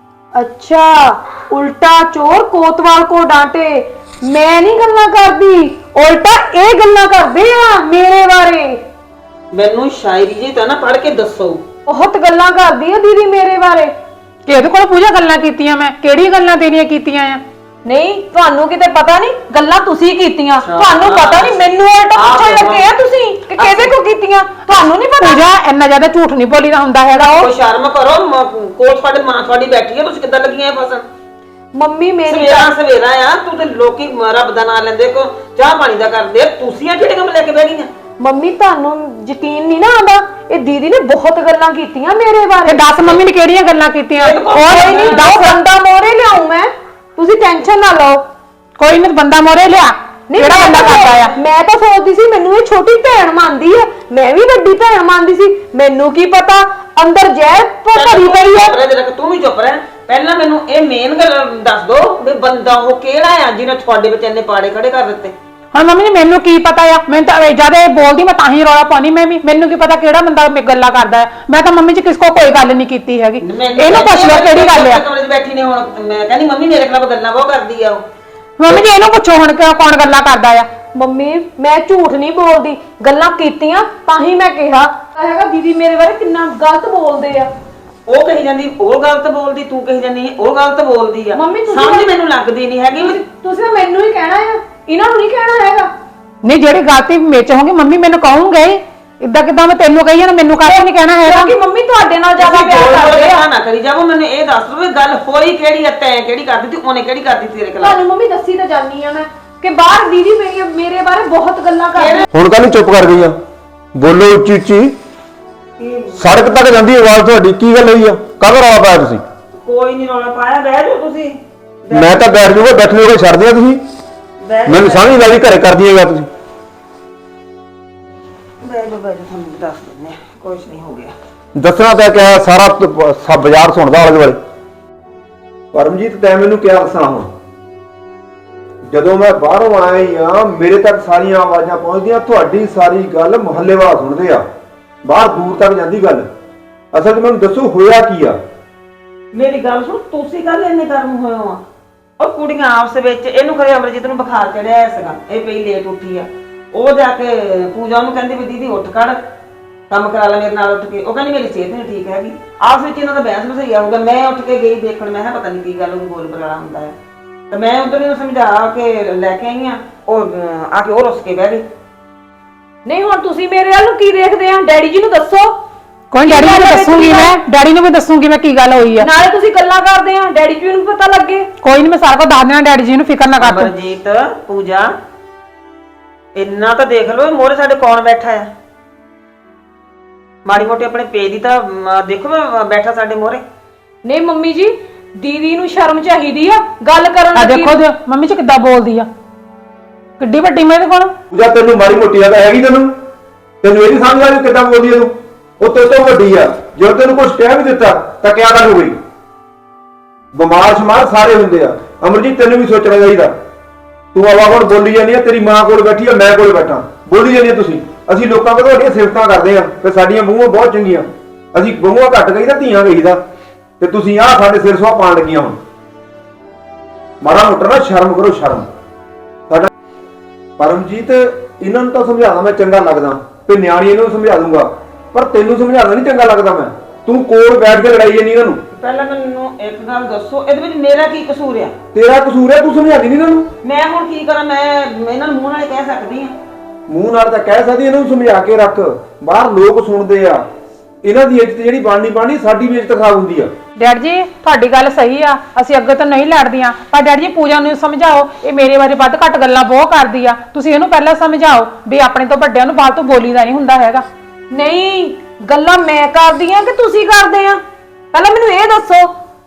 ਅੱਛਾ ਉਲਟਾ ਚੋਰ ਕੋਤਵਾਲ ਕੋ ਡਾਂਟੇ। ਮੈਂ ਨਹੀਂ ਗੱਲਾਂ ਕਰਦੀ, ਉਲਟਾ ਇਹ ਗੱਲਾਂ ਕਰਦੇ ਆ ਮੇਰੇ ਬਾਰੇ। ਮੈਨੂੰ ਸ਼ਾਇਰੀ ਜੀ ਤਾਂ ਨਾ ਪੜ੍ਹ ਕੇ ਦੱਸੋ। ਬਹੁਤ ਗੱਲਾਂ ਕਰਦੀ ਆ ਦੀਦੀ ਮੇਰੇ ਬਾਰੇ। ਕਿ ਇਹਦੇ ਕੋਲ ਪੂਜਾ ਗੱਲਾਂ ਕੀਤੀਆਂ? ਮੈਂ ਕਿਹੜੀਆਂ ਗੱਲਾਂ ਤੇਰੀਆਂ ਕੀਤੀਆਂ ਆ? ਨਹੀਂ ਤੁਹਾਨੂੰ ਕਿਤੇ ਪਤਾ ਨਹੀਂ, ਗੱਲਾਂ ਤੁਸੀਂ ਕੀਤੀਆਂ। ਤੁਹਾਨੂੰ ਪਤਾ ਨਹੀਂ, ਮੈਨੂੰ ਉਲਟਾ ਪੁੱਛਣ ਲੱਗੇ ਆ ਤੁਸੀਂ ਕਿ ਕਿਹਦੇ ਕੋ ਕੀਤੀਆਂ। ਤੁਹਾਨੂੰ ਨਹੀਂ ਪਤਾ? ਪੂਜਾ ਇੰਨਾ ਜ਼ਿਆਦਾ ਝੂਠ ਨਹੀਂ ਬੋਲੀਦਾ ਹੁੰਦਾ ਹੈਗਾ। ਉਹ ਕੋਈ ਸ਼ਰਮ ਕਰੋ, ਮ- ਕੋਲ ਤੁਹਾਡੇ ਮਾਂ ਤੁਹਾਡੀ ਬੈਠੀ ਹੈ, ਤੁਸੀਂ ਕਿੱਦਾਂ ਲੱਗੀਆਂ ਇਹ ਫਸਣ? ਮੰਮੀ ਮੇਰੀ ਸਵੇਰਾ ਸਵੇਰਾ ਆ ਤੂੰ ਤੇ ਲੋਕੀ ਰੱਬ ਦਾ ਨਾਮ ਲੈਂਦੇ ਕੋ ਚਾਹ ਪਾਣੀ ਦਾ ਕਰਦੇ ਆ, ਤੁਸੀਂ ਆ ਕਿਹੜੇ ਕੰਮ ਲੈ ਕੇ ਬਹਿ ਗਈਆਂ? ਮੰਮੀ ਤੁਹਾਨੂੰ ਯਕੀਨ ਨਹੀਂ ਨਾ ਆਉਂਦਾ, ਇਹ ਦੀਦੀ ਨੇ ਬਹੁਤ ਗੱਲਾਂ ਕੀਤੀਆਂ ਮੇਰੇ ਤੇ ਬਾਰੇ। ਦੱਸ ਮੰਮੀ ਨੇ ਕਿਹੜੀਆਂ ਗੱਲਾਂ ਕੀਤੀਆਂ? ਕੋਈ ਨਹੀਂ, ਦੋ ਬੰਦਾ ਮੋਰੇ ਲਿਆਉਂ ਮੈਂ, ਤੁਸੀਂ ਟੈਨਸ਼ਨ ਨਾ ਲਓ। ਕੋਈ ਨਹੀਂ, ਬੰਦਾ ਮੋਰੇ ਲਿਆ। ਨਹੀਂ ਕਿਹੜਾ ਮੈਂ ਬੰਦਾ ਤਾਂ- ਕਰਦਾ ਆ? ਮੈਂ ਤਾਂ ਸੋਚਦੀ ਸੀ ਮੈਨੂੰ ਇਹ ਛੋਟੀ ਭੈਣ ਮੰਨਦੀ ਆ, ਮੈਂ ਵੀ ਵੱਡੀ ਭੈਣ ਮੰਨਦੀ ਸੀ। ਮੈਨੂੰ ਕੀ ਪਤਾ ਅੰਦਰ ਜ਼ਹਿਰ ਭਰੀ ਪਈ ਆ। ਚੁੱਪ ਰਹਿ ਜਰਾ, ਤੂੰ ਵੀ ਚੁੱਪ ਰਹਿ। ਪਹਿਲਾਂ ਮੈਨੂੰ ਇਹ ਮੇਨ ਗੱਲ ਦੱਸ ਦੋ ਵੀ ਬੰਦਾ ਉਹ ਕਿਹੜਾ ਆ ਜਿਹਨੇ ਤੁਹਾਡੇ ਵਿੱਚ ਇੰਨੇ ਪਾੜੇ ਖੜੇ ਕਰ ਦਿੱਤੇ? ਹੁਣ ਮੰਮੀ ਨੇ ਮੈਨੂੰ ਕੀ ਪਤਾ ਆ? ਮੈਂ ਤਾਂ ਜਦ ਇਹ ਬੋਲਦੀ ਮੈਂ ਤਾਂ ਹੀ ਰੌਲਾ ਪਾਉਣੀ। ਮੈਂ ਵੀ ਮੈਨੂੰ ਕੀ ਪਤਾ ਕਿਹੜਾ ਬੰਦਾ ਮੇ ਗੱਲਾਂ ਕਰਦਾ ਹੈ। ਮੈਂ ਤਾਂ ਮੰਮੀ ਜੀ ਕਿਸ ਕੋ ਕੋਈ ਗੱਲ ਨਹੀਂ ਕੀਤੀ ਹੈਗੀ। ਇਹਨੂੰ ਪੁੱਛ ਲਓ ਕਿਹੜੀ ਗੱਲ ਆ। ਕਮਰੇ 'ਚ ਬੈਠੀ ਨੇ ਹੁਣ ਮੈਂ ਕਹਿੰਦੀ ਮੰਮੀ ਮੇਰੇ ਖਿਲਾਫ ਗੱਲਾਂ ਬਹੁਤ ਕਰਦੀ ਆ ਉਹ। ਮੰਮੀ ਜੀ ਇਹਨੂੰ ਪੁੱਛੋ ਹੁਣ ਕਿ ਕੌਣ ਗੱਲਾਂ ਕਰਦਾ ਆ। ਮੰਮੀ ਮੈਂ ਝੂਠ ਨਹੀਂ ਬੋਲਦੀ, ਗੱਲਾਂ ਕੀਤੀਆਂ ਤਾਂ ਹੀ ਮੈਂ ਕਿਹਾ ਹੈਗਾ ਦੀਦੀ ਮੇਰੇ ਬਾਰੇ ਕਿੰਨਾ ਗਲਤ ਬੋਲਦੇ ਆ। ਉਹ ਕਹੀ ਜਾਂਦੀ ਉਹ ਗਲਤ ਬੋਲਦੀ, ਤੂੰ ਕਹੀ ਜਾਂਦੀ ਉਹ ਗਲਤ ਬੋਲਦੀ ਆ। ਮੰਮੀ ਤੁਸੀਂ- ਸਮਝ ਮੈਨੂੰ ਲੱਗਦੀ ਨਹੀਂ ਹੈਗੀ ਵੀ ਤੁਸੀਂ ਤਾਂ ਮੈਨੂੰ ਹੀ ਕਹਿਣਾ ਆ, ਇਹਨਾਂ ਨੂੰ ਨਹੀਂ ਕਹਿਣਾ ਹੈਗਾ। ਨਹੀਂ ਜਿਹੜੀ ਗਲਤੀ ਮੇਚ ਹੋਗੀ ਮੰਮੀ ਮੈਨੂੰ ਕਹੂੰਗੇ। ਇਦਾਂ ਕਿਦਾਂ ਮੈਂ ਤੈਨੂੰ ਕਹੀ ਜਾਣਾ, ਮੈਨੂੰ ਕਾਹਤੇ ਨਹੀਂ ਕਹਿਣਾ ਹੈਗਾ? ਕਿਉਂਕਿ ਮੰਮੀ ਤੁਹਾਡੇ ਨਾਲ ਜ਼ਿਆਦਾ ਤੁਸੀਂ ਪਿਆਰ ਬੋਲ ਬੋਲ ਕਰਦੇ ਕੇ ਆ। ਨਾ ਕਰੀ ਜਾਵੋ। ਮੈਨੂੰ ਇਹ ਦੱਸ ਦੋ ਵੀ ਗੱਲ ਹੋਈ ਕਿਹੜੀ ਆ, ਤੈਂ ਕਿਹੜੀ ਕਰਦੀ ਤੇ ਉਹਨੇ ਕਿਹੜੀ ਕਰਦੀ ਤੇਰੇ ਖਿਲਾਫ? ਤੁਹਾਨੂੰ ਮੰਮੀ ਦੱਸੀ ਤਾਂ ਜਾਨੀ ਆ ਮੈਂ ਕਿ ਬਾਹਰ ਦੀਦੀ ਮੇਰੀ ਮੇਰੇ ਬਾਰੇ ਬਹੁਤ ਗੱਲਾਂ ਕਰਦੇ। ਹੁਣ ਕੱਲ ਚੁੱਪ ਕਰ ਗਈ ਆ? ਬੋਲੋ ਉੱਚੀ ਉੱਚੀ। ਸੜਕ ਤੱਕ ਜਾਂਦੀ ਆਵਾਜ਼ ਤੁਹਾਡੀ। ਕੀ ਗੱਲ ਹੋਈ ਆ? ਕਾਹਦਾ ਰੌਲਾ ਪਾਇਆ ਤੁਸੀਂ? ਕੋਈ ਨਹੀਂ ਰੌਲਾ ਪਾਇਆ, ਬਹਿ ਜਾਓ ਤੁਸੀਂ। ਮੈਂ ਤਾਂ ਬੈਠ ਜੂਗਾ, ਬੈਠਣੇ ਹੋਗੇ ਛੱਡ ਦਿਆ ਤੁਸੀਂ। ਬਹਿ ਮੈਨੂੰ ਸਮਝ ਨਹੀਂ ਲੱਗਦੀ ਘਰੇ ਕਰਦੀਆਂ ਗਾ ਤੁਸੀਂ। ਬਹਿ ਜਾਓ ਬਹਿ ਜਾਓ, ਤੁਹਾਨੂੰ ਦੱਸ ਦਿੰਦੇ ਆ, ਕੁਛ ਨਹੀਂ ਹੋ ਗਿਆ। ਦੱਸਣਾ ਤਾਂ ਕਿਹਾ ਸਾਰਾ ਤ- ਸਭ ਬਾਜ਼ਾਰ ਸੁਣਦਾ ਆਲੇ ਦੁਆਲੇ। ਪਰਮਜੀਤ ਤੈਂ ਮੈਨੂੰ ਕਿਹਾ ਦੱਸਣਾ ਹੁਣ? ਜਦੋਂ ਮੈਂ ਬਾਹਰੋਂ ਆਇਆ ਆ ਮੇਰੇ ਤੱਕ ਸਾਰੀਆਂ ਆਵਾਜ਼ਾਂ ਪਹੁੰਚਦੀਆਂ, ਤੁਹਾਡੀ ਸਾਰੀ ਗੱਲ ਮੁਹੱਲੇ ਵਾਲਾ ਸੁਣਦੇ ਆ, ਬਾਹਰ ਦੂਰ ਤੱਕ ਜਾਂਦੀ ਗੱਲ। ਅਸਲ 'ਚ ਮੈਨੂੰ ਦੱਸੋ ਹੋਇਆ ਕੀ ਆ? ਮੇਰੀ ਗੱਲ ਸੁਣ, ਤੁਸੀਂ ਕੱਲ ਇੰਨੇ ਗਰਮ ਹੋਏ ਹੋ ਆ? ਉਹ ਕੁੜੀਆਂ ਆਪਸ ਵਿੱਚ, ਇਹਨੂੰ ਖਰੇ ਅਮਰਜੀਤ ਨੂੰ ਬੁਖਾਰ ਚੜਿਆ ਸੀਗਾ, ਇਹ ਪਈ ਲੇਟ ਉੱਠੀ ਆ। ਉਹ ਜਾ ਕੇ ਪੂਜਾ ਨੂੰ ਕਹਿੰਦੀ ਵੀ ਦੀਦੀ ਉੱਠ ਖੜ, ਕੰਮ ਕਰਾ ਲੈ ਮੇਰੇ ਨਾਲ ਉੱਠ ਕੇ। ਉਹ ਕਹਿੰਦੀ ਮੇਰੀ ਸਿਹਤ ਨਹੀਂ ਠੀਕ ਹੈਗੀ। ਆਪਸ ਵਿੱਚ ਇਹਨਾਂ ਦਾ ਬਹਿਸ ਬਸਈਆ ਹੋਊਗਾ। ਮੈਂ ਉੱਠ ਕੇ ਗਈ ਦੇਖਣ, ਮੈਂ ਕਿਹਾ ਪਤਾ ਨਹੀਂ ਕੀ ਗੱਲ ਉਹ ਬੋਲ ਬਰਾਲਾ ਹੁੰਦਾ ਹੈ। ਤੇ ਮੈਂ ਉਧਰ ਨੂੰ ਸਮਝਾ ਕੇ ਲੈ ਕੇ ਆਈ ਆ, ਉਹ ਅਹ, ਆ ਕੇ ਉਹ ਰੁੱਸ ਕੇ ਬਹਿ ਗਈ। ਨਹੀਂ ਹੁਣ ਤੁਸੀਂ ਮੇਰੇ ਵੱਲ ਨੂੰ ਕੀ ਦੇਖਦੇ ਆ? ਡੈਡੀ ਜੀ ਨੂੰ ਦੱਸੋ। ਕੋਈ ਡੈਡੀ ਨੂੰ ਵੀ ਦੱਸੂਗੀ, ਮੈਂ ਡੈਡੀ ਨੂੰ ਵੀ ਦੱਸੂਗੀ ਮੈਂ ਕੀ ਗੱਲ ਹੋਈ ਆ। ਨਾਲੇ ਤੁਸੀਂ ਗੱਲਾਂ ਕਰਦੇ ਆ, ਡੈਡੀ ਜੀ ਨੂੰ ਪਤਾ ਲੱਗੇ। ਕੋਈ ਨਹੀਂ, ਮੈਂ ਸਾਰਾ ਕੁਝ ਦੱਸ ਦੇਣਾ ਡੈਡੀ ਜੀ ਨੂੰ, ਫਿਕਰ ਨਾ ਕਰ ਤੂੰ। ਅਮਰਜੀਤ, ਪੂਜਾ, ਇੰਨਾ ਤਾਂ ਦੇਖ ਲਓ ਮੋਰੇ ਸਾਡੇ ਕੌਣ ਬੈਠਾ ਆ। ਮਾੜੀ ਮੋਟੀ ਆਪਣੇ ਪੇ ਦੀ ਤਾਂ ਮ, ਦੇਖੋ ਮੈਂ ਬੈਠਾ ਸਾਡੇ ਮੋਰੇ। ਨਹੀਂ ਮੰਮੀ ਜੀ ਦੀਦੀ ਨੂੰ ਸ਼ਰਮ ਚਾਹੀਦੀ ਆ ਗੱਲ ਕਰਨ ਆ ਦੀ। ਦੇਖੋ ਜੀ ਮੰਮੀ ਜੀ ਕਿੱਦਾਂ ਬੋਲਦੀ ਆ, ਕਿੱਡੀ ਵੱਡੀ ਮੇਰੇ ਕੋਲ। ਪੂਜਾ ਤੈਨੂੰ ਮਾੜੀ ਮੋਟੀ ਤਾਂ ਹੈਗੀ, ਤੈਨੂੰ ਤੈਨੂੰ ਇਹ ਨਹੀਂ ਸਮਝ ਆ ਕਿੱਦਾਂ ਬੋਲਦੀ ਆ ਤੂੰ? ਉਹ ਤੇਰੇ ਤੋਂ ਵੱਡੀ ਆ, ਜਦੋਂ ਤੈਨੂੰ ਕੁਝ ਕਹਿ ਵੀ ਦਿੱਤਾ ਤਾਂ ਕਿਆ ਗੱਲ ਹੋ ਗਈ? ਬਿਮਾਰ ਸ਼ਮਾਰ ਸਾਰੇ ਹੁੰਦੇ ਆ। ਅਮਰਜੀਤ ਤੈਨੂੰ ਵੀ ਸੋਚਣਾ ਚਾਹੀਦਾ। ਤੂੰ ਆਵਾ ਹੁਣ ਬੋਲੀ ਜਾਂਦੀ ਆ, ਤੇਰੀ ਮਾਂ ਕੋਲ ਬੈਠੀ ਆ, ਮੈਂ ਕੋਲ ਬੈਠਾ, ਬੋਲੀ ਜਾਂਦੀ ਆ ਤੁਸੀਂ। ਅਸੀਂ ਲੋਕਾਂ ਕੋਲ ਤੁਹਾਡੀਆਂ ਸਿਫਤਾਂ ਕਰਦੇ ਆ ਤੇ ਸਾਡੀਆਂ ਬਹੂਆਂ ਬਹੁਤ ਚੰਗੀਆਂ। ਅਸੀਂ ਬਹੂਆਂ ਘੱਟ ਗਈ ਤਾਂ ਧੀਆਂ ਗਈਦਾ, ਤੇ ਤੁਸੀਂ ਆਹ ਸਾਡੇ ਸਿਰ ਸੁਆਹ ਪਾਣ ਲੱਗੀਆਂ ਹੁਣ। ਮਾੜਾ ਮੋਟਾ ਨਾ ਸ਼ਰਮ ਕਰੋ, ਸ਼ਰਮ। ਸਾਡਾ ਪਰਮਜੀਤ ਇਹਨਾਂ ਨੂੰ ਤਾਂ ਸਮਝਾਉਣਾ ਮੈਂ ਚੰਗਾ ਲੱਗਦਾ, ਤੇ ਨਿਆਣੀ ਇਹਨੂੰ ਸਮਝਾ ਦੂੰਗਾ, ਪਰ ਤੈਨੂੰ ਸਮਝਾਉਣਾ ਨਹੀਂ ਚੰਗਾ ਲੱਗਦਾ। ਮੈਂ ਤੂੰ ਕੋਲ ਬੈਠ ਕੇ ਲੜਾਈ ਜਾਂਦੀ ਇਹਨਾਂ ਨੂੰ। ਪਹਿਲਾਂ ਮੈਨੂੰ ਇੱਕ ਗੱਲ ਦੱਸੋ, ਇਹਦੇ ਵਿੱਚ ਮੇਰਾ ਕੀ ਕਸੂਰ ਆ? ਤੇਰਾ ਕਸੂਰ ਹੈ, ਤੂੰ ਸਮਝਾਦੀ ਨਹੀਂ ਇਹਨਾਂ ਨੂੰ। ਮੈਂ ਹੁਣ ਕੀ ਕਰਾਂ? ਮੈਂ ਮੈਂ ਇਹਨਾਂ ਨੂੰ ਮੂੰਹ ਨਾਲ ਹੀ ਕਹਿ ਸਕਦੀ ਆ। ਮੂੰਹ ਨਾਲ ਤਾਂ ਕਹਿ ਸਕਦੀ, ਇਹਨਾਂ ਨੂੰ ਸਮਝਾ ਕੇ ਰੱਖ। ਬਾਹਰ ਲੋਕ ਸੁਣਦੇ ਆ, ਇਹਨਾਂ ਦੀ ਇੱਜ਼ਤ ਜਿਹੜੀ ਬਣਨੀ ਬਣਨੀ, ਸਾਡੀ ਵੀ ਇੱਜ਼ਤ ਖਰਾਬ ਹੁੰਦੀ ਆ। ਡੈਡ ਜੀ ਤੁਹਾਡੀ ਗੱਲ ਸਹੀ ਆ, ਅਸੀਂ ਅੱਗੇ ਤੋਂ ਨਹੀਂ ਲੜਦੀਆਂ, ਪਰ ਡੈਡ ਜੀ ਪੂਜਾ ਨੂੰ ਸਮਝਾਓ, ਇਹ ਮੇਰੇ ਬਾਰੇ ਵੱਧ ਘੱਟ ਗੱਲਾਂ ਬਹੁਤ ਕਰਦੀ ਆ। ਤੁਸੀਂ ਇਹਨੂੰ ਪਹਿਲਾਂ ਸਮਝਾਓ ਵੀ ਆਪਣੇ ਤੋਂ ਵੱਡਿਆਂ ਨੂੰ ਬਾਅਦ ਤੋਂ ਬੋਲੀਦਾ ਨਹੀਂ ਹੁੰਦਾ ਹੈਗਾ। ਨਹੀਂ ਗੱਲਾਂ ਮੈਂ ਕਰਦੀ ਆ ਕਿ ਤੁਸੀਂ ਕਰਦੇ ਆ? ਪਹਿਲਾਂ ਮੈਨੂੰ ਇਹ ਦੱਸੋ,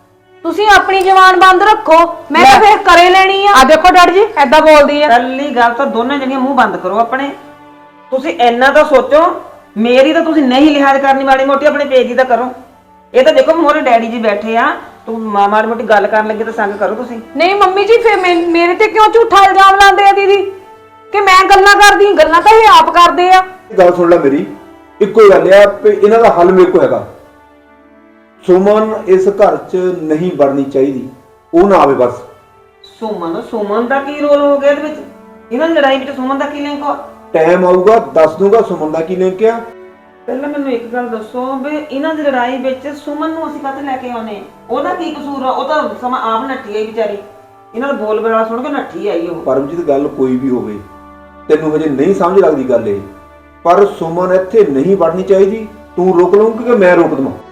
ਤੁਸੀਂ ਆਪਣੀ ਜ਼ੁਬਾਨ ਬੰਦ ਰੱਖੋ, ਮੈਂ ਤਾਂ ਫੇਰ ਕਰੇ ਲੈਣੀ ਆ। ਆ ਦੇਖੋ ਡੈਡੀ ਜੀ ਐਦਾਂ ਬੋਲਦੀ ਆ। ਪਹਿਲੀ ਗੱਲ ਤਾਂ ਦੋਨੇ ਜਣੀਆਂ ਮੂੰਹ ਬੰਦ ਕਰੋ ਆਪਣੇ। ਤੁਸੀਂ ਇੰਨਾ ਤਾਂ ਸੋਚੋ, ਮੇਰੀ ਤਾਂ ਤੁਸੀਂ ਨਹੀਂ ਲਿਹਾਜ਼ ਕਰਨੀ, ਮਾੜੀ ਮੋਟੀ ਆਪਣੇ ਪੇਜ ਦੀ ਤਾਂ ਕਰੋ। ਇਹ ਤਾਂ ਦੇਖੋ ਮੋਰੇ ਡੈਡੀ ਜੀ ਬੈਠੇ ਆ, ਤੂੰ ਮਾ- ਮਾੜੀ ਮੋਟੀ ਗੱਲ ਕਰਨ ਲੱਗੇ ਤਾਂ ਸੰਗ ਕਰੋ ਤੁਸੀਂ। ਨਹੀਂ ਮੰਮੀ ਜੀ, ਫੇਰ ਮੈਂ- ਮੇਰੇ ਤੇ ਕਿਉਂ ਝੂਠਾ ਇਲਜ਼ਾਮ ਲਾਉਂਦੇ ਆ ਦੀਦੀ ਕਿ ਮੈਂ ਗੱਲਾਂ ਕਰਦੀ? ਗੱਲਾਂ ਤਾਂ ਇਹ ਆਪ ਕਰਦੇ ਆ। ਗੱਲ ਸੁਣ ਲੈ ਮੇਰੀ, ਇੱਕੋ ਹੀ ਗੱਲ ਆ ਵੀ ਇਹਨਾਂ ਦਾ ਹੱਲ ਮੇਰੇ ਕੋਲ ਹੈਗਾ। ਸੁਮਨ ਇਸ ਘਰ 'ਚ ਨਹੀਂ ਵੜਨੀ ਚਾਹੀਦੀ, ਉਹ ਨਾ ਆਵੇ ਬਸ। ਸੁਮਨ ਸੁਮਨ ਦਾ ਕੀ ਰੋਲ ਹੋ ਗਿਆ ਇਹਦੇ ਵਿੱਚ? ਇਹਨਾਂ ਦੀ ਲੜਾਈ ਵਿੱਚ ਸੁਮਨ ਦਾ ਕੀ ਲਿੰਕ ਆ? ਟਾਈਮ ਆਊਗਾ ਦੱਸ ਦੂੰਗਾ ਸੁਮਨ ਦਾ ਕੀ ਲਿੰਕ ਆ। ਪਹਿਲਾਂ ਮੈਨੂੰ ਇੱਕ ਗੱਲ ਦੱਸੋ ਵੀ ਇਹਨਾਂ ਦੀ ਲੜਾਈ ਵਿੱਚ ਸੁਮਨ ਨੂੰ ਅਸੀਂ ਕਾਹਤੇ ਲੈ ਕੇ ਆਉਨੇ? ਉਹਦਾ ਕੀ ਕਸੂਰ ਆ? ਉਹ ਤਾਂ ਸਮਾਂ ਆਪ ਨੱਠੀ ਆਈ ਵਿਚਾਰੀ, ਇਹਨਾਂ ਦਾ ਬੋਲ ਬੜਾ ਸੁਣ ਕੇ ਨੱਠੀ ਆਈ ਉਹ। ਪਰਮਜੀਤ ਗੱਲ ਕੋਈ ਵੀ ਹੋਵੇ, ਤੈਨੂੰ ਹਜੇ ਨਹੀਂ ਸਮਝ ਲੱਗਦੀ ਗੱਲ ਇਹ, ਪਰ ਸੁਮਨ ਇੱਥੇ ਨਹੀਂ ਵੜਨੀ ਚਾਹੀਦੀ। ਤੂੰ ਰੋਕ ਲਊਂਗੀ ਕਿ ਮੈਂ ਰੋਕ ਦਵਾਂ?